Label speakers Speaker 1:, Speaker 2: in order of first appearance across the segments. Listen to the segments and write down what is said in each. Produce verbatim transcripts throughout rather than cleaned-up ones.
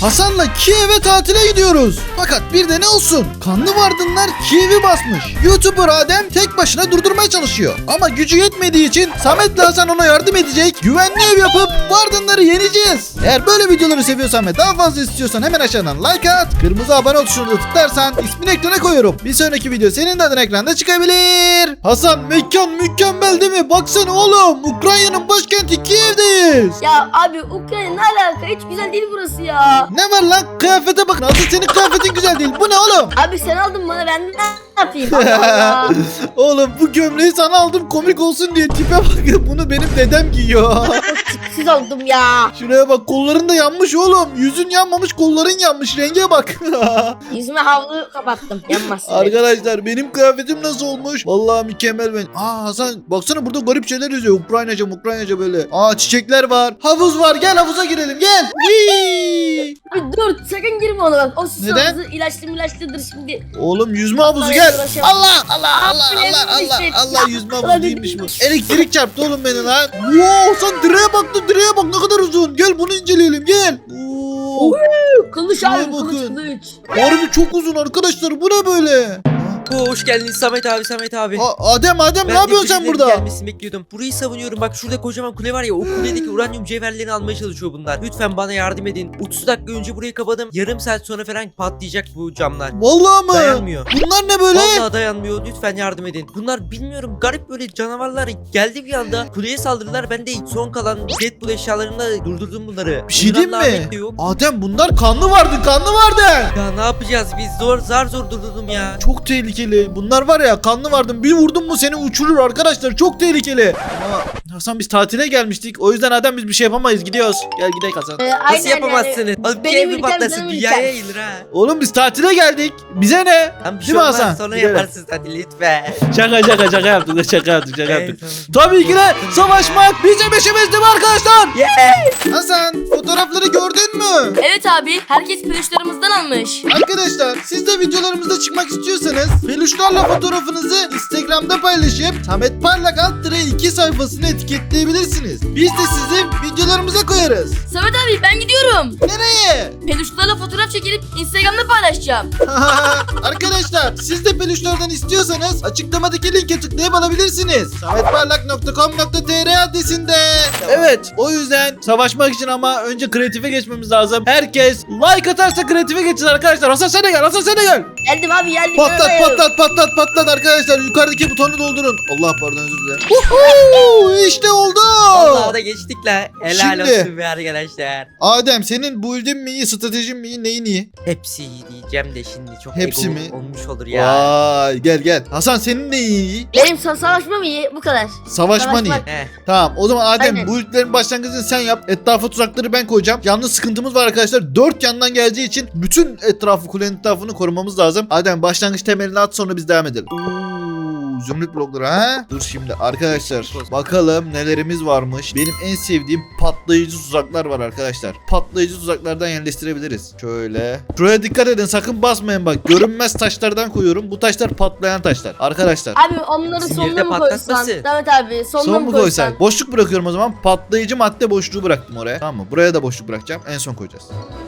Speaker 1: Hasan'la Kiev'e tatile gidiyoruz. Fakat bir de ne olsun? Kanlı vardınlar Kiev'i basmış. YouTuber Adem tek başına durdurmaya çalışıyor. Ama gücü yetmediği için Samet'le Hasan ona yardım edecek. Güvenli ev yapıp vardınları yeneceğiz. Eğer böyle videoları seviyorsan ve daha fazla istiyorsan hemen aşağıdan like at. Kırmızı abone ol tuşuna da tıklarsan ismini ekrana koyuyorum. Bir sonraki video senin de adın ekranda çıkabilir. Hasan mekan mükemmel değil mi? Baksana oğlum. Ukrayna'nın başkenti Kiev'deyiz.
Speaker 2: Ya abi Ukrayna ne alaka? Hiç güzel değil burası ya.
Speaker 1: Ne var lan? Kıyafete bak. Nasıl senin kıyafetin güzel değil. Bu ne oğlum?
Speaker 2: Abi sen aldın bana, ben ne yapayım? Allah Allah.
Speaker 1: Oğlum bu gömleği sana aldım komik olsun diye. Tipe bak. Bunu benim dedem giyiyor.
Speaker 2: Siz oldum ya.
Speaker 1: Şuraya bak, kolların da yanmış oğlum. Yüzün yanmamış, kolların yanmış. Renge bak.
Speaker 2: Yüzüme havlu kapattım. Yanmaz.
Speaker 1: Arkadaşlar benim kıyafetim nasıl olmuş? Vallahi mükemmel ben. Aa Hasan baksana, burada garip şeyler yazıyor. Ukraynaca Ukraynaca böyle. Aa çiçekler var. Havuz var. Gel havuza girelim gel. Whee!
Speaker 2: Abi dur sakın girme ona bak. O su
Speaker 1: Neden?
Speaker 2: havuzu ilaçlı ilaçlıdır şimdi.
Speaker 1: Oğlum yüzme havuzu
Speaker 2: Vallahi
Speaker 1: gel.
Speaker 2: uğraşamam.
Speaker 1: Allah Allah Allah
Speaker 2: Abi,
Speaker 1: Allah Allah
Speaker 2: hissettim.
Speaker 1: Allah, yüzme havuzu
Speaker 2: Ulan
Speaker 1: değilmiş bu.
Speaker 2: dedim.
Speaker 1: Elektrik çarptı oğlum beni lan. Wow, sen direğe baktın, direğe bak ne kadar uzun. Gel bunu inceleyelim gel. Oo.
Speaker 2: Kılıç
Speaker 1: Şuraya
Speaker 2: abi kılıç
Speaker 1: bakın.
Speaker 2: kılıç.
Speaker 1: Harbi çok uzun arkadaşlar, bu ne böyle?
Speaker 3: Oo, hoş geldin Samet abi Samet abi.
Speaker 1: Aa, Adem Adem ne
Speaker 3: Ben de
Speaker 1: yapıyorsun sen
Speaker 3: birilerinin
Speaker 1: burada?
Speaker 3: Gelmesini bekliyordum. Burayı savunuyorum. Bak şurada kocaman kule var ya. O kuledeki uranyum cevherlerini almaya çalışıyor bunlar. Lütfen bana yardım edin. otuz dakika önce burayı kapadım. Yarım saat sonra falan patlayacak bu camlar.
Speaker 1: Vallahi mı?
Speaker 3: Dayanmıyor.
Speaker 1: Bunlar ne böyle?
Speaker 3: Vallahi dayanmıyor. Lütfen yardım edin. Bunlar bilmiyorum garip böyle canavarlar geldi bir anda. Kuleye saldırdılar. Ben de son kalan Deadpool eşyalarımla durdurdum bunları.
Speaker 1: Bir şey diyeyim
Speaker 3: Bunların
Speaker 1: mi?
Speaker 3: Ahmet de yok.
Speaker 1: Adem bunlar kanlı vardı, kanlı vardı.
Speaker 3: Ya ne yapacağız biz? Zor zar zor durdurdum ya.
Speaker 1: Çok tehlikeli. Bunlar var ya, kanlı vardı. Bir vurdun mu seni uçurur arkadaşlar. Çok tehlikeli. Ama Hasan biz tatile gelmiştik. O yüzden Adem biz bir şey yapamayız. Gidiyoruz. Gel gidelim Hasan.
Speaker 2: Ee,
Speaker 3: Nasıl
Speaker 2: aynen
Speaker 3: yapamazsınız?
Speaker 2: yani.
Speaker 3: Alıp bir
Speaker 2: Benim
Speaker 3: evi
Speaker 2: ülkem,
Speaker 3: patlasın.
Speaker 2: benim
Speaker 3: Dünyaya
Speaker 2: ülkem.
Speaker 3: yayılır ha.
Speaker 1: Oğlum biz tatile geldik. Bize ne?
Speaker 3: Tam bir
Speaker 1: Değil
Speaker 3: şey
Speaker 1: mi
Speaker 3: olmaz.
Speaker 1: Hasan?
Speaker 3: Sonra
Speaker 1: Gidelim.
Speaker 3: yaparsınız hadi lütfen.
Speaker 1: Şaka şaka şaka yaptık. Şaka yaptık. Şaka yaptık.
Speaker 3: Evet, tamam.
Speaker 1: Tabii ki de savaşmak bizim işimizdi mi arkadaşlar?
Speaker 3: Yeah.
Speaker 1: Hasan fotoğrafları gördün mü?
Speaker 2: Evet abi herkes peluşlarımızdan almış.
Speaker 1: Arkadaşlar siz de videolarımızda çıkmak istiyorsanız peluşlarla fotoğrafınızı Instagram'da paylaşıp Samet Parlak alt tire iki sayfasını etiketleyebilirsiniz. Biz de sizi videolarımıza koyarız.
Speaker 2: Samet abi ben gidiyorum.
Speaker 1: Nereye?
Speaker 2: Peluşlarla fotoğraf çekilip Instagram'da paylaşacağım.
Speaker 1: Arkadaşlar siz de peluşlardan istiyorsanız açıklamadaki linke tıklayıp alabilirsiniz. sametparlak nokta com nokta tr adresinde. Evet o yüzden savaşmak için ama önce kreatife geçmemiz lazım. Herkes like atarsa kreatife geçeceğiz arkadaşlar. Hasan sen de gel, Hasan sen de gel.
Speaker 2: Geldim abi geldim.
Speaker 1: Patlat
Speaker 2: Geldim.
Speaker 1: patlat patlat patlat arkadaşlar. Yukarıdaki butonu doldurun. Allah pardon özür dilerim. Uhu, işte oldu.
Speaker 3: Vallahi da geçtik la. Helal
Speaker 1: Şimdi-
Speaker 3: olsun be arkadaşlar.
Speaker 1: Adem senin build'in mi iyi, stratejin mi iyi, neyin iyi?
Speaker 3: Hepsi iyi diyeceğim de şimdi çok
Speaker 1: Hepsi
Speaker 3: ego
Speaker 1: mi?
Speaker 3: olmuş olur ya.
Speaker 1: Vay gel gel. Hasan senin neyin iyi?
Speaker 2: Benim sa- savaşmam iyi bu kadar.
Speaker 1: Savaşman iyi.
Speaker 2: Savaşmak.
Speaker 3: Heh.
Speaker 1: Tamam o zaman Adem
Speaker 2: Aynen.
Speaker 1: bu ülkelerin başlangıcını sen yap. Etrafa tuzakları ben koyacağım. Yalnız sıkıntımız var arkadaşlar. Dört yandan geleceği için bütün etrafı, kulenin etrafını korumamız lazım. Adem başlangıç temelini at, sonra biz devam edelim. Oo, zümrüt blokları ha? Dur şimdi arkadaşlar. Bakalım nelerimiz varmış. Benim en sevdiğim patlayıcı tuzaklar var arkadaşlar. Patlayıcı tuzaklardan yerleştirebiliriz. Şöyle. Şuraya dikkat edin, sakın basmayın bak. Görünmez taşlardan koyuyorum. Bu taşlar patlayan taşlar. Arkadaşlar.
Speaker 2: Abi onları
Speaker 3: Bizim
Speaker 2: sonuna
Speaker 3: yerde
Speaker 2: mı koysan?
Speaker 3: patlatmasın.
Speaker 2: Evet abi sonuna
Speaker 1: Son
Speaker 2: mı
Speaker 1: mu
Speaker 2: koysan?
Speaker 1: koysak? Boşluk bırakıyorum o zaman. Patlayıcı madde boşluğu bıraktım oraya. Tamam mı? Buraya da boşluk bırakacağım. En son koyacağız.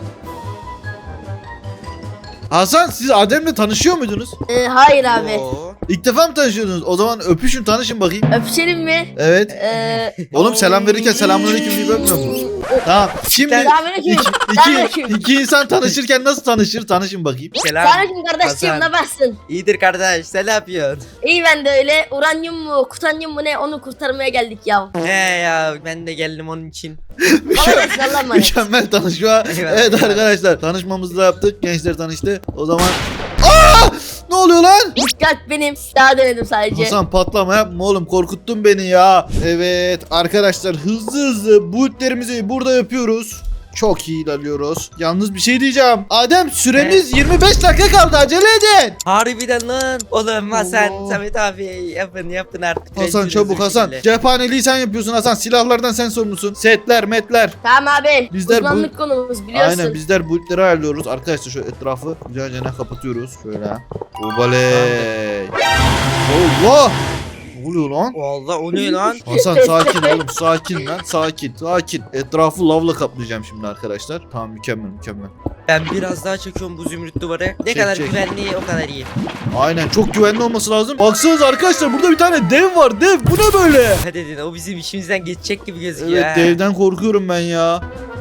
Speaker 1: Hasan siz Adem'le tanışıyor muydunuz?
Speaker 2: Ee, hayır abi.
Speaker 3: Oo.
Speaker 1: İlk defa mı tanışıyordunuz? O zaman öpüşün, tanışın bakayım.
Speaker 2: Öpüşelim mi?
Speaker 1: Evet.
Speaker 2: Ee,
Speaker 1: Oğlum selam verirken selamünaleyküm diye öpmüyor musun? Tamam. Şimdi
Speaker 2: Selamünaleyküm.
Speaker 1: iki, iki,
Speaker 2: Selamünaleyküm.
Speaker 1: iki insan tanışırken nasıl tanışır? Tanışın bakayım.
Speaker 3: Selam.
Speaker 2: Selamünaleyküm kardeşim,
Speaker 3: Hasan.
Speaker 2: ne yapıyorsun?
Speaker 3: İyidir kardeş sen ne yapıyorsun?
Speaker 2: İyi ben de öyle. Uranyum mu, kutanyum mu ne, onu kurtarmaya geldik ya.
Speaker 3: He ya ben de geldim onun için.
Speaker 2: Kardeş Allah'a emanet.
Speaker 1: Mükemmel tanışma.
Speaker 3: Eyvallah.
Speaker 1: Evet arkadaşlar, tanışmamızı da yaptık. Gençler tanıştı. O zaman Aa! Ne oluyor lan?
Speaker 2: Dikkat benim. Daha denedim sadece.
Speaker 1: Hasan patlama yapma oğlum, korkuttun beni ya. Evet arkadaşlar, hızlı hızlı bootlerimizi burada yapıyoruz. Çok iyi ilerliyoruz. Yalnız bir şey diyeceğim. Adem süremiz yirmi beş dakika kaldı, acele edin.
Speaker 3: Harbiden lan. Oğlum Hasan,
Speaker 1: Oo.
Speaker 3: Samet abi yapın yapın artık.
Speaker 1: Hasan
Speaker 3: Rezil
Speaker 1: çabuk
Speaker 3: rezil
Speaker 1: Hasan.
Speaker 3: şekilde.
Speaker 1: Cephaneliği sen yapıyorsun Hasan. Silahlardan sen sorumlusun. Setler, metler.
Speaker 2: Tamam abi.
Speaker 1: Bizler bu-
Speaker 2: Uzmanlık konumuz biliyorsun.
Speaker 1: Aynen bizler bootleri ayarlıyoruz. Arkadaşlar şu etrafı güzelce kapatıyoruz. Şöyle. Obaley. Allah. Ne oluyor lan?
Speaker 3: Vallahi o ne lan?
Speaker 1: Hasan sakin oğlum, sakin lan, sakin, sakin. Etrafı lavla kaplayacağım şimdi arkadaşlar. Tamam, mükemmel, mükemmel.
Speaker 3: Ben biraz daha çekiyorum bu zümrüt duvarı. Ne
Speaker 1: Çek,
Speaker 3: kadar
Speaker 1: çek.
Speaker 3: güvenli o kadar iyi.
Speaker 1: Aynen, çok güvenli olması lazım. Baksanıza arkadaşlar, burada bir tane dev var, dev. Bu ne böyle?
Speaker 3: Hadi dedin o bizim işimizden geçecek gibi gözüküyor.
Speaker 1: Evet,
Speaker 3: ha.
Speaker 1: devden korkuyorum ben ya.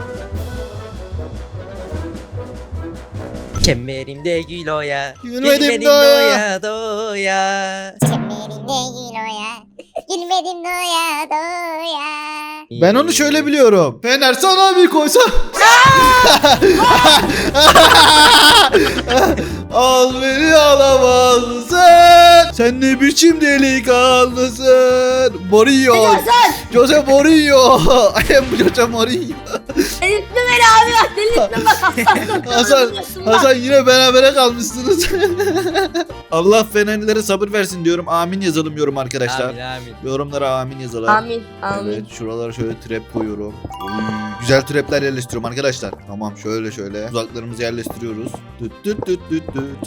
Speaker 3: Kemerimde gül oya.
Speaker 1: Gülmedim doya.
Speaker 3: doya doya.
Speaker 4: Kemerinde gül oya. Gülmedim doya doya.
Speaker 1: Ben onu şöyle biliyorum. Fener sana bir koysam. Al beni alamazsın. Sen ne biçim delikanlısın. Mourinho.
Speaker 2: Hasan.
Speaker 1: Jose Mourinho. I am Jose Mourinho.
Speaker 2: Delirtme beni abi bak delirtme bak Hasan.
Speaker 1: Hasan, Hasan yine berabere kalmışsınız. Allah Fenerlilere sabır versin diyorum. Amin yazalım yorum arkadaşlar.
Speaker 3: Amin amin.
Speaker 1: Yorumlara amin yazalım.
Speaker 2: Amin amin.
Speaker 1: Evet, şuralara şöyle trap koyuyorum. Oy, güzel trapler yerleştiriyorum arkadaşlar. Tamam, şöyle şöyle uzaklarımızı yerleştiriyoruz. Düt düt düt düt düt.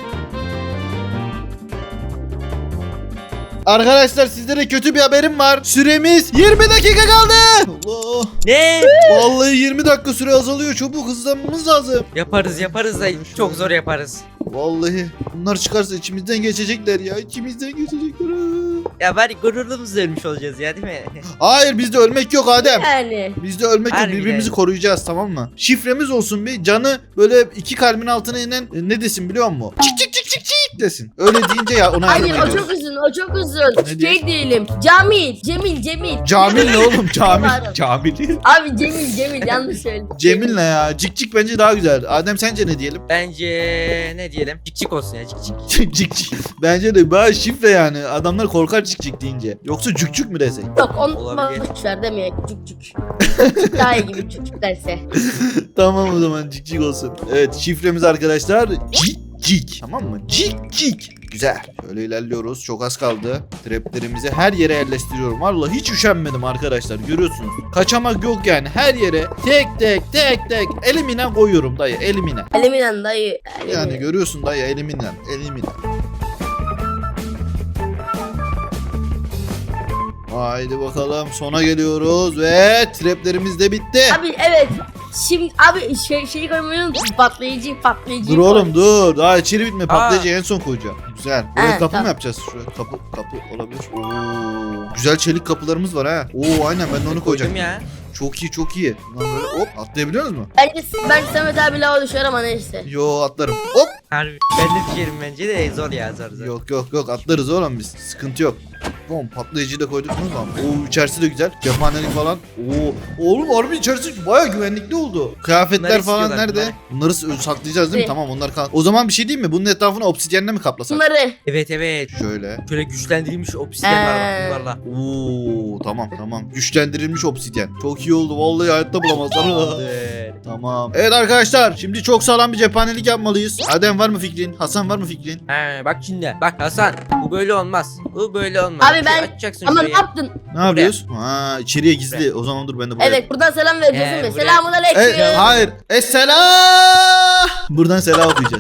Speaker 1: Arkadaşlar, sizlere kötü bir haberim var. Süremiz yirmi dakika kaldı. Allah.
Speaker 3: Ne?
Speaker 1: Vallahi yirmi dakika süre azalıyor. Çabuk hızlanmamız lazım.
Speaker 3: Yaparız yaparız da çok zor yaparız.
Speaker 1: Vallahi bunlar çıkarsa içimizden geçecekler ya. İçimizden geçecekler.
Speaker 3: Ya bari gururumuzla ölmüş olacağız ya değil mi?
Speaker 1: Hayır, bizde ölmek yok Adem.
Speaker 2: Yani.
Speaker 1: Bizde ölmek yok,
Speaker 3: Harbiden.
Speaker 1: birbirimizi koruyacağız, tamam mı? Şifremiz olsun bir, canı böyle iki kalbin altına inen e, ne desin biliyor musun? Çık çık çık çık çık desin. Öyle deyince ya ona yardım
Speaker 2: Hayır o
Speaker 1: ediyoruz.
Speaker 2: çok uzun o çok uzun.
Speaker 1: Ne diyor?
Speaker 2: Şey diyelim. Camil. Cemil Cemil.
Speaker 1: Camil ne oğlum? Camil.
Speaker 2: Pardon.
Speaker 1: Camil.
Speaker 2: Abi Cemil Cemil yanlış söyledim.
Speaker 1: Cemil ne ya? Cik cik bence daha güzel. Adem sence ne diyelim?
Speaker 3: Bence ne diyelim? Cik cik olsun ya cik cik.
Speaker 1: Cik cik cik. Bence de bayağı şifre yani. Adamlar korkar cik cik deyince. Yoksa cük cük mü desek?
Speaker 2: Yok onu
Speaker 3: Olabilir.
Speaker 2: boşver demeye cük cük. Daha iyi gibi cük cük derse.
Speaker 1: Tamam o zaman, cik cik olsun. Evet, şifremiz arkadaşlar cik cik. Tamam mı? Cik cik. Güzel. Şöyle ilerliyoruz. Çok az kaldı. Traplerimizi her yere yerleştiriyorum. Vallahi hiç üşenmedim arkadaşlar. Görüyorsunuz. Kaçamak yok yani. Her yere tek tek tek tek elimine koyuyorum dayı. Elimine.
Speaker 2: Eliminen dayı.
Speaker 1: Yani
Speaker 2: Eliminen.
Speaker 1: görüyorsun dayı, elimine. Elimine. Haydi bakalım, sona geliyoruz ve traplerimiz de bitti.
Speaker 2: Abi evet. Şimdi abi şey şeyi koymayı unuttum. Patlayıcı patlayıcı.
Speaker 1: Dur oğlum dur. Daha içeri bitme.
Speaker 3: Aa.
Speaker 1: Patlayıcı en son koyacağım. Güzel. Buraya
Speaker 2: Ha,
Speaker 1: kapı
Speaker 2: tamam.
Speaker 1: mı yapacağız? Şuraya kapı kapı olabilir. Oo. Güzel çelik kapılarımız var ha. Oo aynen, ben de onu koyacağım.
Speaker 3: Koydum ya.
Speaker 1: Çok iyi çok iyi. Lan böyle hop atlayabiliyor musun?
Speaker 2: Bence, bence Samet abi lava düşer ama neyse.
Speaker 1: Yo, atlarım. Hop.
Speaker 3: Harbi. Ben de düşerim bence de zor ya zor zor.
Speaker 1: Yok yok yok, atlarız oğlum biz. Sıkıntı yok. Bom, patlayıcıyı da koyduk mu tamam. Oo, içerisi de güzel. Cephanelik falan. Oo, oğlum harbi içerisi bayağı güvenlikli oldu. Kıyafetler
Speaker 3: Bunları
Speaker 1: falan
Speaker 3: istiyorlar,
Speaker 1: nerede? Bunları s- saklayacağız değil mi?
Speaker 2: Evet.
Speaker 1: Tamam, onlar kal. O zaman bir şey diyeyim mi? Bunun etrafını obsidyenle mi kaplasak?
Speaker 2: Bunları.
Speaker 3: Evet evet.
Speaker 1: Şöyle.
Speaker 3: Şöyle güçlendirilmiş obsidyen var
Speaker 2: Ee.
Speaker 3: bak bunlarla.
Speaker 1: Oo tamam tamam. Güçlendirilmiş obsidyen. Çok iyi oldu. Vallahi hayatta bulamazlar.
Speaker 3: Tamamdır.
Speaker 1: Tamam. Evet arkadaşlar, şimdi çok sağlam bir cephanelik yapmalıyız. Adem var mı fikrin? Hasan var mı fikrin?
Speaker 3: He bak şimdi. Bak Hasan bu böyle olmaz. Bu böyle olmaz.
Speaker 2: Abi ben-
Speaker 3: Açacaksın
Speaker 2: Ama ne
Speaker 3: şurayı.
Speaker 2: yaptın?
Speaker 1: Ne yapıyoruz? Ha, içeriye gizli. O zaman dur ben de buraya.
Speaker 2: Evet buradan selam vereceğiz
Speaker 3: Ee,
Speaker 2: değil mi?
Speaker 3: buraya-
Speaker 2: Selamun aleyküm.
Speaker 1: E, hayır. Esselam. Buradan selam okuyacağız.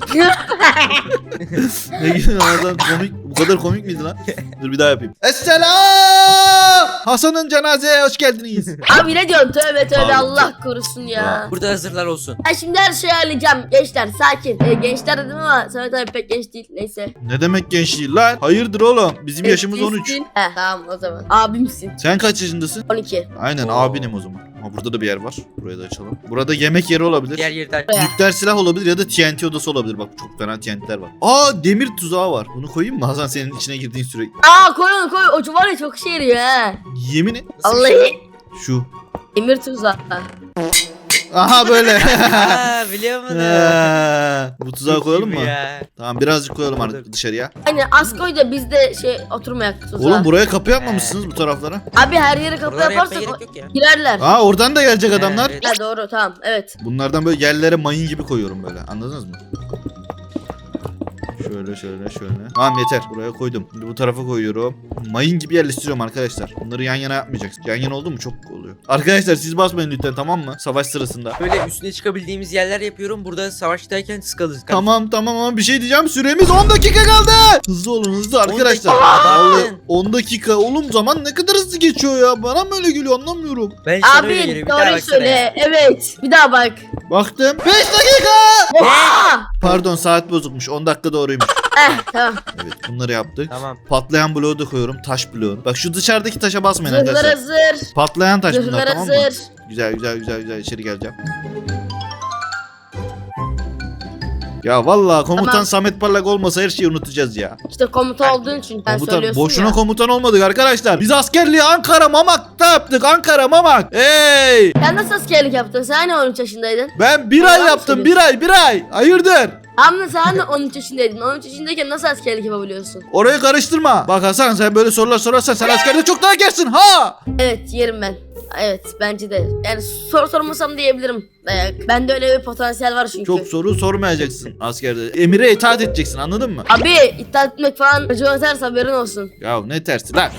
Speaker 1: Ne güzel Hasan, komik. Bu kadar komik miydi lan? Dur bir daha yapayım. Esselam. Hasan'ın cenazeye hoş geldiniz.
Speaker 2: Abi ne diyorsun? Tövbe tövbe
Speaker 1: Abi.
Speaker 2: Allah korusun ya.
Speaker 3: Burada hazırlar olsun.
Speaker 2: Ben şimdi her şeyi halledeceğim. Gençler sakin. Ee, gençler dedim ama Samet abi pek genç değil. Neyse.
Speaker 1: Ne demek gençliği lan? Hayırdır oğlum? Bizim yaşımız on üç.
Speaker 2: Gençsin. Heh, tamam o zaman. Abimsin.
Speaker 1: Sen kaç yaşındasın?
Speaker 2: on iki.
Speaker 1: Aynen
Speaker 3: Oo.
Speaker 1: abinim o zaman. Ama burada da bir yer var. Burayı da açalım. Burada yemek yeri olabilir.
Speaker 3: Diğer yerden.
Speaker 1: Nükleer silah olabilir ya da T N T odası olabilir. Bak çok fena T N T'ler var. Aa, demir tuzağı var. Bunu koyayım mı Hasan, senin içine girdiğin sürekli?
Speaker 2: Aa koy onu koy. O var ya çok işe yarıyor ha.
Speaker 1: Yemin et.
Speaker 3: Nasıl bir şey?
Speaker 2: Vallahi.
Speaker 1: Şu.
Speaker 2: Emir tuzağı.
Speaker 1: Aha böyle.
Speaker 3: Aa biliyor musun?
Speaker 1: Ha, bu tuzağı
Speaker 3: Çok iyi
Speaker 1: koyalım
Speaker 3: bu
Speaker 1: mı?
Speaker 3: ya.
Speaker 1: Tamam, birazcık koyalım artık dışarıya.
Speaker 2: Aynen az koy da biz de şey oturmayak tuzağa.
Speaker 1: Oğlum buraya kapı yapmamışsınız bu taraflara.
Speaker 2: Abi her yere kapı
Speaker 3: Buralara yapmaya
Speaker 2: yaparsak
Speaker 3: gerek yok ya.
Speaker 2: girerler.
Speaker 1: Aa, oradan da gelecek adamlar.
Speaker 3: Evet.
Speaker 2: Ha doğru tamam evet.
Speaker 1: Bunlardan böyle yerlere mayın gibi koyuyorum böyle. Anladınız mı? Şöyle şöyle şöyle. Tamam yeter. Buraya koydum. Şimdi bu tarafa koyuyorum. Mayın gibi yerleştiriyorum arkadaşlar. Bunları yan yana yapmayacaksın. Yan yana oldu mu çok oluyor. Arkadaşlar siz basmayın lütfen, tamam mı? Savaş sırasında.
Speaker 3: Böyle üstüne çıkabildiğimiz yerler yapıyorum. Burada savaştayken sıkalız.
Speaker 1: Tamam tamam ama bir şey diyeceğim. Süremiz on dakika kaldı. Hızlı olun hızlı arkadaşlar.
Speaker 3: dakika.
Speaker 1: Vallahi on dakika. Oğlum zaman ne kadar hızlı geçiyor ya. Bana mı öyle geliyor anlamıyorum.
Speaker 3: Ben sana öyle
Speaker 2: Abi
Speaker 3: geliyor. Bir daha
Speaker 2: doğru
Speaker 3: baksana ya.
Speaker 2: söyle. Evet. Bir daha bak.
Speaker 1: Baktım. beş dakika.
Speaker 2: Oha!
Speaker 1: Pardon saat bozukmuş. on dakika doğruymuş.
Speaker 2: Eh tamam.
Speaker 1: Evet bunları yaptık.
Speaker 3: Tamam.
Speaker 1: Patlayan bloğu da koyuyorum. Taş bloğu. Bak şu dışarıdaki taşa basmayın
Speaker 2: Zırhlar
Speaker 1: arkadaşlar.
Speaker 2: hazır.
Speaker 1: Patlayan taş bunlar,
Speaker 2: Zırhlar
Speaker 1: tamam mı?
Speaker 2: hazır.
Speaker 1: Güzel güzel güzel güzel içeri geleceğim. Ya vallahi komutan
Speaker 2: Tamam.
Speaker 1: Samet Parlak olmasa her şeyi unutacağız ya.
Speaker 2: İşte komuta olduğun için ben
Speaker 1: Komutan
Speaker 2: söylüyorsun
Speaker 1: boşuna
Speaker 2: ya.
Speaker 1: komutan olmadık arkadaşlar. Biz askerliği Ankara Mamak'ta yaptık. Ankara Mamak. Hey!
Speaker 2: Sen nasıl askerlik yaptın? Sen hani on üç yaşındaydın?
Speaker 1: Ben bir ay
Speaker 2: Yalan
Speaker 1: yaptım. Bir ay bir ay. Hayırdır?
Speaker 2: Ama sen de on üç yaşındaydın. on üç yaşındayken nasıl askerlik yapabiliyorsun?
Speaker 1: Orayı karıştırma. Bak Hasan sen böyle sorular sorarsan sen askerde çok daha gersin ha.
Speaker 2: Evet yerim ben. Evet bence de. Yani soru sormasam diyebilirim. Dayak. Bende öyle bir potansiyel var çünkü.
Speaker 1: Çok soru sormayacaksın askerde. Emire itaat edeceksin anladın mı?
Speaker 2: Abi iddia etmek falan acı atarsa haberin olsun.
Speaker 1: Ya ne tersi lan.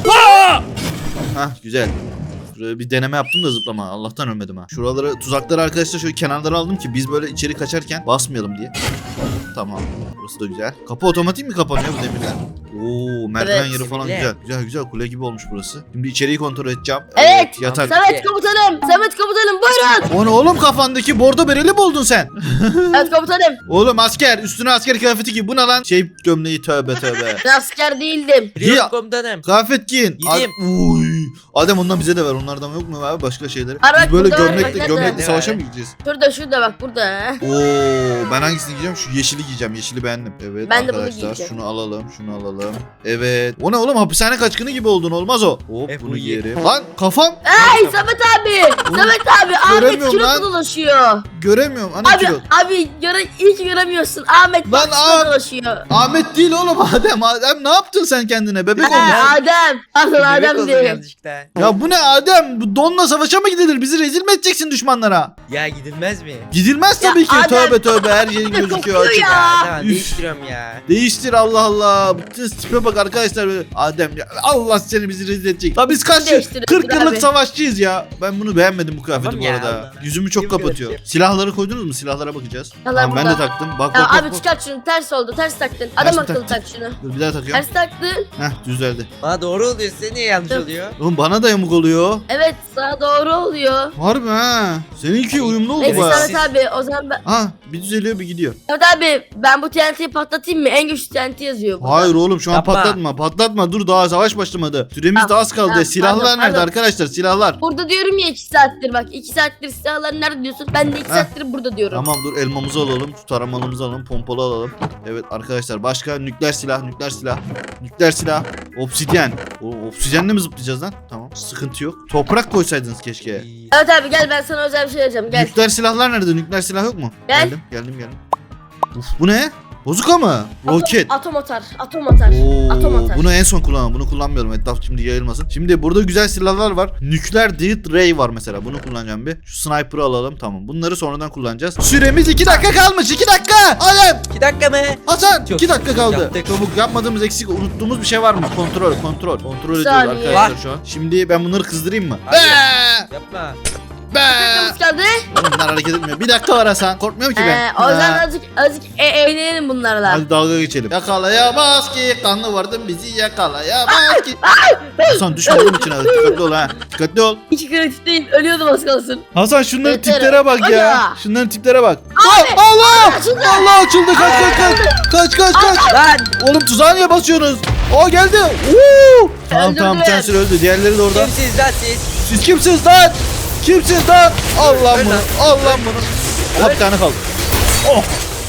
Speaker 1: Hah güzel. Şuraya bir deneme yaptım da zıplama. Allah'tan ölmedim ha. Şuraları tuzakları arkadaşlar şöyle kenarlara aldım ki biz böyle içeri kaçarken basmayalım diye. Tamam. Burası da güzel. Kapı otomatik mi kapanıyor bu demirler? Oo merdiven
Speaker 2: Evet.
Speaker 1: yeri falan
Speaker 3: Bile.
Speaker 1: güzel. Güzel güzel kule gibi olmuş burası. Şimdi içeriği kontrol edeceğim.
Speaker 2: Evet.
Speaker 1: Yatak.
Speaker 2: Samet komutanım. Samet komutanım buyurun.
Speaker 1: O ne oğlum kafandaki bordo bereli mi oldun sen?
Speaker 2: Evet komutanım.
Speaker 1: Oğlum asker üstüne asker kıyafeti giy. Bu ne lan? Şey gömleği tövbe tövbe.
Speaker 2: Ben asker değildim.
Speaker 3: Biliyorum
Speaker 1: Ya-
Speaker 3: komutanım.
Speaker 1: Kıyafet giyin.
Speaker 3: Giyeyim.
Speaker 1: Ad- Uy. Adem ondan bize de ver. Onlardan yok mu abi başka şeyleri?
Speaker 2: Var,
Speaker 1: Biz böyle
Speaker 2: burada var,
Speaker 1: gömlekli
Speaker 2: bak,
Speaker 1: gömlekli
Speaker 3: nerede?
Speaker 1: savaşa mı gideceğiz?
Speaker 2: Şurada şurada bak burada.
Speaker 1: Oo, ben hangisini giyeceğim? Şu yeşili giyeceğim. Yeşili beğendim. Evet
Speaker 2: Ben de bunu
Speaker 1: arkadaşlar
Speaker 2: giyeceğim.
Speaker 1: şunu alalım, şunu alalım. Evet. O ne oğlum? Hapishane kaçkını gibi oldun. Olmaz o. Hop
Speaker 3: E,
Speaker 1: bunu
Speaker 3: bunu
Speaker 1: giyerim. Lan kafam
Speaker 2: Ay Samet abi.
Speaker 1: Oğlum,
Speaker 2: Samet abi. Ahmet
Speaker 1: göremiyorum lan.
Speaker 2: kilotlu dolaşıyor.
Speaker 1: göremiyorum. Ana
Speaker 2: Abi
Speaker 1: kilo.
Speaker 2: abi göre hiç göremiyorsun. Ahmet
Speaker 1: Lan
Speaker 2: bak
Speaker 1: Ahmet-
Speaker 2: dolaşıyor.
Speaker 1: Ahmet değil oğlum Adem. Adem ne yaptın sen kendine? Bebek olmuş.
Speaker 2: Ha, Adem. Pardon
Speaker 3: Bebek
Speaker 2: Adem
Speaker 3: oldum
Speaker 2: diyor.
Speaker 3: yanlışlıkla.
Speaker 1: Ya bu ne Adem? Bu donla savaşa mı gidilir? Bizi rezil mi edeceksin düşmanlara?
Speaker 3: Ya gidilmez mi?
Speaker 1: Gidilmez
Speaker 2: Ya
Speaker 1: tabii ki.
Speaker 2: Adem-
Speaker 1: Tövbe tövbe her yerin
Speaker 2: Bir de
Speaker 1: gözüküyor
Speaker 2: kokuyor
Speaker 1: açık.
Speaker 2: ya.
Speaker 3: Ya tamam
Speaker 1: Üf.
Speaker 3: değiştiriyorum ya.
Speaker 1: Değiştir Allah Allah. Bütün tipe bak arkadaşlar. Böyle. Adem ya Allah seni bizi rezil edecek. La biz kaç yıl?
Speaker 2: Değiştir,
Speaker 1: kırk
Speaker 2: abi.
Speaker 1: yıllık savaşçıyız ya. Ben bunu beğenmedim bu kıyafeti
Speaker 3: Tamam
Speaker 1: bu
Speaker 3: ya,
Speaker 1: arada.
Speaker 3: Allah.
Speaker 1: Yüzümü çok
Speaker 3: Kim
Speaker 1: kapatıyor.
Speaker 3: görecek?
Speaker 1: Silahları koydunuz mu? Silahlara bakacağız.
Speaker 2: Silahlar
Speaker 1: Tamam, ben de
Speaker 2: burada.
Speaker 1: taktım. Bak
Speaker 2: Ya
Speaker 1: bak bak.
Speaker 2: abi
Speaker 1: bak.
Speaker 2: çıkart şunu ters oldu ters taktın. Adam
Speaker 1: Ters mi
Speaker 2: akıllı
Speaker 1: taktım?
Speaker 2: tak şunu.
Speaker 1: Dur bir daha takıyorum.
Speaker 2: Ters taktın.
Speaker 1: Heh düzeldi.
Speaker 3: Bana doğru oluyor size niye yanlış
Speaker 2: Dur.
Speaker 3: oluyor?
Speaker 1: Oğlum bana da yamuk oluyor.
Speaker 2: Evet sana doğru oluyor.
Speaker 1: Harbi ha. Seninki uyumlu oldu
Speaker 2: Neyse
Speaker 1: baya.
Speaker 2: Samet abi o zaman ben...
Speaker 1: Ha bir düzeliyor bir gidiyor.
Speaker 2: Samet abi ben bu T N T'yi patlatayım mı? En güçlü T N T yazıyor burada.
Speaker 1: Hayır oğlum şu an
Speaker 3: Yapma.
Speaker 1: patlatma. Patlatma dur daha savaş başlamadı. Süremiz
Speaker 2: Tamam,
Speaker 1: de az kaldı.
Speaker 2: tamam,
Speaker 1: Silahlar
Speaker 2: pardon,
Speaker 1: nerede
Speaker 2: pardon.
Speaker 1: arkadaşlar? Silahlar.
Speaker 2: Burada diyorum ya iki saattir bak. iki saattir silahlar nerede diyorsun? Ben de iki
Speaker 1: Heh.
Speaker 2: saattir burada diyorum.
Speaker 1: Tamam dur elmamızı alalım. Şu taramalımızı alalım. Pompalı alalım. Evet arkadaşlar başka nükleer silah, nükleer silah. Nükleer silah. Obsidyen. O obsidyenle mi zıplayacağız lan? Tamam. Sıkıntı yok. Toprak koysaydınız keşke.
Speaker 2: Evet abi gel ben sana özel bir şey vereceğim gel.
Speaker 1: Nükleer silahlar nerede? Nükleer silah yok mu?
Speaker 2: Gel.
Speaker 1: Geldim, geldim, geldim. Uf bu ne? Bozuka mı? Roket.
Speaker 2: Atom atar. Atom atar. Atom
Speaker 1: Oo,
Speaker 2: atar.
Speaker 1: bunu en son kullanalım. Bunu kullanmayalım. Etraf şimdi yayılmasın. Şimdi burada güzel silahlar var. Nükleer Death Ray var mesela. Bunu kullanacağım bir. Şu sniper'ı alalım. Tamam. Bunları sonradan kullanacağız. Süremiz iki dakika kalmış. iki dakika. Alem.
Speaker 3: İki dakika mı?
Speaker 1: Hasan.
Speaker 3: Çok
Speaker 1: iki dakika kaldı.
Speaker 3: yaptık.
Speaker 1: Çabuk yapmadığımız eksik unuttuğumuz bir şey var mı? Kontrol. Kontrol. Kontrol ediyoruz
Speaker 2: Saniye.
Speaker 1: arkadaşlar
Speaker 3: Var.
Speaker 1: şu an. Şimdi ben bunları kızdırayım mı?
Speaker 3: Hadi.
Speaker 1: Be!
Speaker 3: Yapma.
Speaker 1: Be!
Speaker 2: Dakikamız kaldı.
Speaker 1: Oğlum bunlar hareket etmiyor. Bir dakika var Hasan. Korkmuyorum ki ben.
Speaker 2: Ee, o zaman
Speaker 1: Ha.
Speaker 2: azıcık, azıcık e eğlenelim bunlarla.
Speaker 1: Hadi dalga geçelim. Yakalayamaz ki kanlı vardım bizi yakalayamaz ki. Hasan düşme oğlum içine. Dikkatli ol ha. Dikkatli ol.
Speaker 2: Hiç kreatif değil. Ölüyordum az kalsın.
Speaker 1: Hasan şunların
Speaker 2: Yeter.
Speaker 1: tiplere bak ya.
Speaker 2: Aga.
Speaker 1: Şunların tiplere bak.
Speaker 2: Abi,
Speaker 1: Aa, Allah!
Speaker 2: açıldı.
Speaker 1: Allah açıldı. Kaç kaç kaç. Kaç kaç kaç.
Speaker 3: Lan.
Speaker 1: Oğlum tuzağa niye basıyorsunuz? Aa geldi. Oo! Tamam
Speaker 2: Öldürdü
Speaker 1: tamam bir
Speaker 2: beni.
Speaker 1: tanesi öldü. Diğerleri de orada.
Speaker 3: Kimsiniz lan siz?
Speaker 1: Siz kimsiniz lan? Kimsiniz lan? Allah
Speaker 3: Öl
Speaker 1: bunu.
Speaker 3: lan.
Speaker 1: Allah bunu. Aha bir tane kaldı. Oh.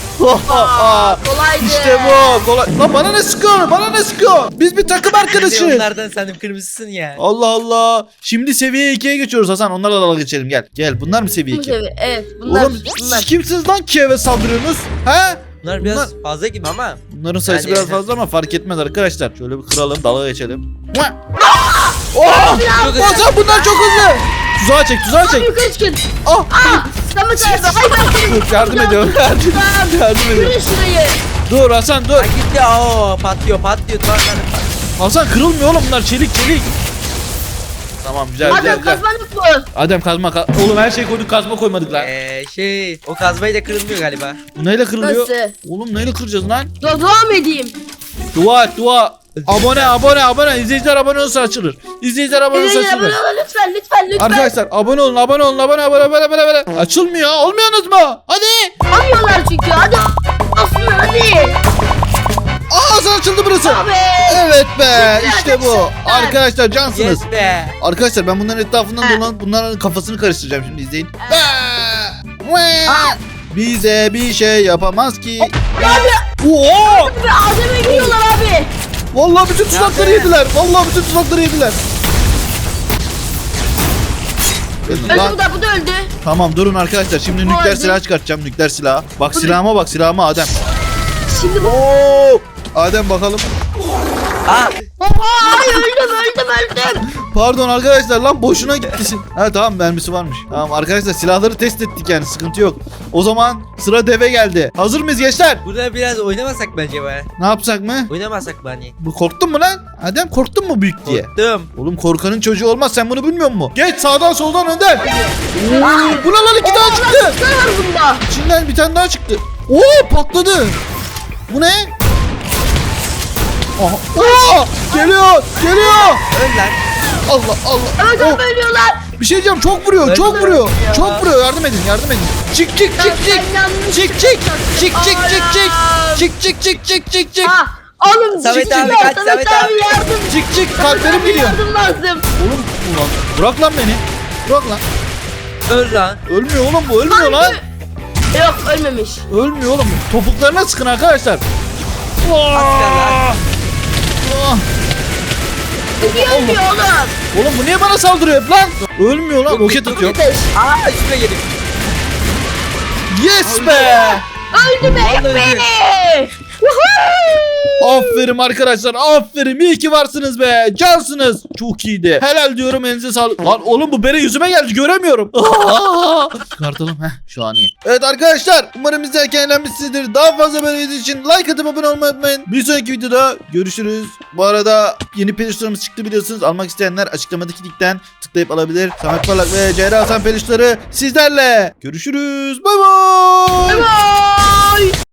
Speaker 2: Aa, kolaydı.
Speaker 1: İşte bu. Kolay. Lan bana ne sıkıyor? Bana ne sıkıyor? Biz bir takım
Speaker 3: Ben de
Speaker 1: arkadaşız.
Speaker 3: onlardan sandım kırmızısın ya.
Speaker 1: Allah Allah. Şimdi seviye ikiye geçiyoruz Hasan. Onlarla dalga geçelim gel. Gel bunlar mı seviye
Speaker 2: Bu
Speaker 1: iki?
Speaker 2: sevi- Evet bunlar.
Speaker 1: Oğlum
Speaker 2: bunlar.
Speaker 1: siz kimsiniz lan ki eve saldırıyorsunuz? He?
Speaker 3: Bunlar biraz fazla gibi ama.
Speaker 1: Bunların sayısı
Speaker 3: Yani-
Speaker 1: biraz fazla ama fark etmez arkadaşlar. Şöyle bir kıralım dalga geçelim. Oh!
Speaker 3: Çok hızlı.
Speaker 1: Hasan bunlar çok hızlı. Tuzağa çek tuzağa çek.
Speaker 2: Yukarı çıkın.
Speaker 1: Ah.
Speaker 2: Aa, Samet abi. Ay ben seni.
Speaker 1: Dur, yardım ediyorum. Yardım, yardım ediyorum.
Speaker 2: Yürü şurayı.
Speaker 1: Dur Hasan dur.
Speaker 3: Ha gitti. Oo patlıyor patlıyor. Duvarlar
Speaker 1: Hasan kırılmıyor oğlum bunlar çelik çelik. Tamam güzel güzel
Speaker 2: Adem
Speaker 1: güzel.
Speaker 2: kazman yok mu?
Speaker 1: Adem kazma ka- Oğlum her şey koyduk kazma koymadık lan.
Speaker 3: Ee, şey o kazmayla kırılmıyor galiba.
Speaker 1: Bu neyle kırılıyor?
Speaker 2: Nasıl?
Speaker 1: Oğlum neyle kıracağız lan?
Speaker 2: Dur devam edeyim.
Speaker 1: Dua et dua. Abone abone abone. İzleyiciler abone olursa açılır. İzleyiciler abone olursa
Speaker 2: Lütfen
Speaker 1: açılır.
Speaker 2: lütfen lütfen lütfen.
Speaker 1: Arkadaşlar abone olun abone olun abone abone abone abone abone. Açılmıyor. Olmuyorsunuz mu? Hadi.
Speaker 2: Alıyorlar çünkü. Hadi. Olsun hadi.
Speaker 1: Aa Hasan açıldı burası.
Speaker 2: Abi.
Speaker 1: Evet be
Speaker 2: Süper,
Speaker 1: işte bu.
Speaker 2: süper.
Speaker 1: Arkadaşlar cansınız.
Speaker 3: Yes be.
Speaker 1: Arkadaşlar ben bunların etrafından
Speaker 2: Ha.
Speaker 1: dolanıp bunların kafasını karıştıracağım şimdi izleyin. Bize bir şey yapamaz ki.
Speaker 2: Abi.
Speaker 1: Oo!
Speaker 2: Abi Adem'e giriyorlar abi.
Speaker 1: Vallahi bütün tuzakları
Speaker 3: Nerede?
Speaker 1: yediler. Vallahi bütün tuzakları yediler.
Speaker 2: Öldü
Speaker 1: Lan,
Speaker 2: bu da bu da öldü.
Speaker 1: tamam durun arkadaşlar. Şimdi
Speaker 2: Bu
Speaker 1: nükleer
Speaker 2: öldü.
Speaker 1: silah çıkartacağım. Nükleer silah. Bak
Speaker 2: Bu
Speaker 1: silahıma bak silahıma Adem.
Speaker 2: Şimdi bu.
Speaker 1: Oo! Adem bakalım.
Speaker 3: Ah
Speaker 2: Oha ay öldüm öldüm öldüm.
Speaker 1: Pardon arkadaşlar lan boşuna gittisin. Ha tamam mermisi varmış. Tamam arkadaşlar silahları test ettik yani sıkıntı yok. O zaman sıra deve geldi. Hazır mıyız gençler?
Speaker 3: burada biraz oynamasak mı acaba?
Speaker 1: Ne yapsak mı?
Speaker 3: Oynamasak mı hani?
Speaker 1: Bu korktun mu lan? Adem korktun mu büyük diye?
Speaker 3: Korktum.
Speaker 1: Oğlum korkanın çocuğu olmaz sen bunu bilmiyor musun? Geç sağdan soldan önden. Oo, bu ne lan iki tane çıktı.
Speaker 2: Ne var bunda?
Speaker 1: İçinden bir tane daha çıktı. Oo patladı. Bu ne? Aha. Oo, geliyor geliyor.
Speaker 3: Öl lan.
Speaker 1: Allah Allah.
Speaker 2: Evet
Speaker 1: Oh,
Speaker 2: abi ölüyorlar.
Speaker 1: bir şey diyeceğim çok vuruyor çok
Speaker 3: Öldü.
Speaker 1: vuruyor.
Speaker 3: Ya.
Speaker 1: Çok vuruyor yardım edin yardım edin. Çık çık çık çık.
Speaker 2: Ben yanlış
Speaker 1: Çık çık çık çık çık çık çık çık çık çık çık çık çık
Speaker 2: Ha, oğlum
Speaker 3: Samet
Speaker 2: çıksın
Speaker 3: abi
Speaker 2: ya,
Speaker 3: kaç,
Speaker 2: Samet
Speaker 3: Samet
Speaker 2: abi
Speaker 3: abi.
Speaker 2: yardım.
Speaker 1: çık çık
Speaker 2: Samet
Speaker 1: kalplerim
Speaker 2: abi
Speaker 1: gidiyor.
Speaker 2: yardım lazım.
Speaker 1: Oğlum ulan bırak lan beni. Bırak lan.
Speaker 3: Öl lan.
Speaker 1: Ölmüyor oğlum bu ölmüyor lan.
Speaker 2: Yok ölmemiş.
Speaker 1: Ölmüyor oğlum. Topuklarına sıkın arkadaşlar.
Speaker 3: lan.
Speaker 1: Ah,
Speaker 2: Niye ölmüyor oğlum?
Speaker 1: oğlum bu niye bana saldırıyor hep lan? Ölmüyor lan roket atıyor.
Speaker 2: Ateş.
Speaker 3: Aa üstüne gelip.
Speaker 1: Yes be.
Speaker 2: Öldü be
Speaker 3: Vallahi öldü.
Speaker 2: beni.
Speaker 1: Aferin arkadaşlar aferin iyi ki varsınız be cansınız. Çok iyiydi. Helal diyorum elinize sağlık. Lan oğlum bu bere yüzüme geldi göremiyorum. Çıkartalım heh şu an iyi. Evet arkadaşlar umarım izlerken eğlenmişsinizdir. Daha fazla böyle video için like atıp abone olmayı unutmayın. Bir sonraki videoda görüşürüz. Bu arada yeni peluşlarımız çıktı biliyorsunuz. Almak isteyenler açıklamadaki linkten tıklayıp alabilir. Samet Parlak ve Ceyra Hasan peluşları sizlerle. Görüşürüz. Bay bay.
Speaker 2: Bye.